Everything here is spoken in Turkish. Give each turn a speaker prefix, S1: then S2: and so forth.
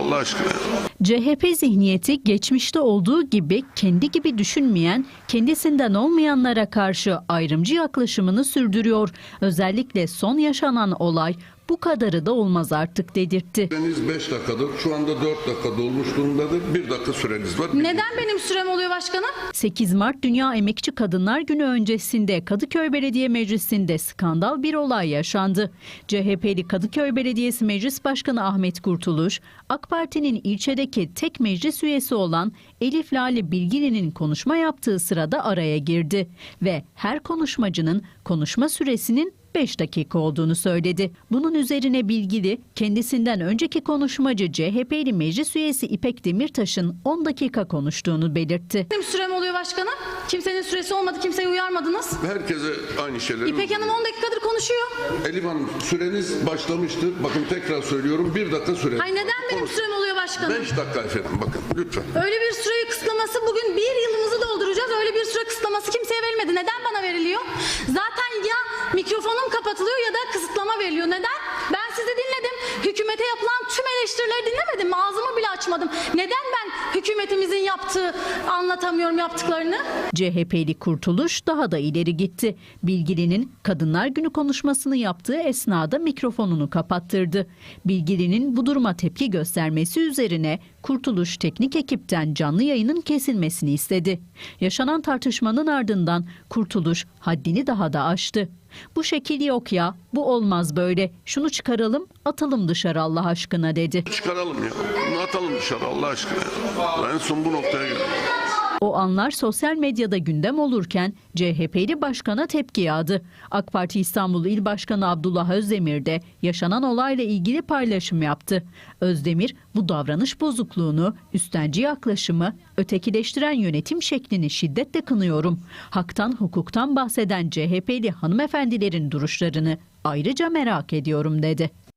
S1: Allah aşkına.
S2: CHP zihniyeti geçmişte olduğu gibi kendi gibi düşünmeyen, kendisinden olmayanlara karşı ayrımcı yaklaşımını sürdürüyor. Özellikle son yaşanan olay bu kadarı da olmaz artık dedirtti.
S1: Süreniz 5 dakikadır. Şu anda 4 dakika dolmuş durumdadır. 1 dakika süreniz var.
S3: Neden benim sürem oluyor başkanım?
S2: 8 Mart Dünya Emekçi Kadınlar Günü öncesinde Kadıköy Belediye Meclisi'nde skandal bir olay yaşandı. CHP'li Kadıköy Belediyesi Meclis Başkanı Ahmet Kurtuluş, AK Parti'nin ilçedeki tek meclis üyesi olan Elif Lale Bilgili'nin konuşma yaptığı sırada araya girdi ve her konuşmacının konuşma süresinin 5 dakika olduğunu söyledi. Bunun üzerine Bilgili, kendisinden önceki konuşmacı CHP'li meclis üyesi İpek Demirtaş'ın 10 dakika konuştuğunu belirtti.
S3: Benim sürem oluyor başkanım. Kimsenin süresi olmadı, kimseyi uyarmadınız.
S1: Herkese aynı şeyleri...
S3: İpek Hanım 10 dakikadır konuşuyor.
S1: Elif Hanım, süreniz başlamıştır. Bakın tekrar söylüyorum, 1 dakika süreniz.
S3: Ay neden benim sürem oluyor başkanım?
S1: 5 dakika efendim, bakın lütfen.
S3: Öyle bir süreyi kısıtlaması, bugün 1 yılımızı dolduracağız. Öyle bir süre kısıtlaması kimseye verilmedi. Neden bana veriliyor? Zaten ya mikrofonum kapatılıyor ya da kısıtlama veriliyor. Neden? Ben sizi dinledim. Hükümete yapılan tüm eleştirileri dinlemedim. Ağzımı bile açmadım. Neden ben hükümetimizin anlatamıyorum yaptıklarını?
S2: CHP'li Kurtuluş daha da ileri gitti. Bilgili'nin Kadınlar Günü konuşmasını yaptığı esnada mikrofonunu kapattırdı. Bilgili'nin bu duruma tepki göstermesi üzerine Kurtuluş teknik ekipten canlı yayının kesilmesini istedi. Yaşanan tartışmanın ardından Kurtuluş haddini daha da aştı. Bu şekil yok ya, bu olmaz böyle. Şunu çıkaralım, atalım dışarı Allah aşkına dedi.
S1: Çıkaralım ya, bunu atalım dışarı Allah aşkına. En son bu noktaya geldim.
S2: O anlar sosyal medyada gündem olurken CHP'li başkana tepki yağdı. AK Parti İstanbul İl Başkanı Abdullah Özdemir de yaşanan olayla ilgili paylaşım yaptı. Özdemir bu davranış bozukluğunu, üstenci yaklaşımı, ötekileştiren yönetim şeklini şiddetle kınıyorum. Haktan, hukuktan bahseden CHP'li hanımefendilerin duruşlarını ayrıca merak ediyorum dedi.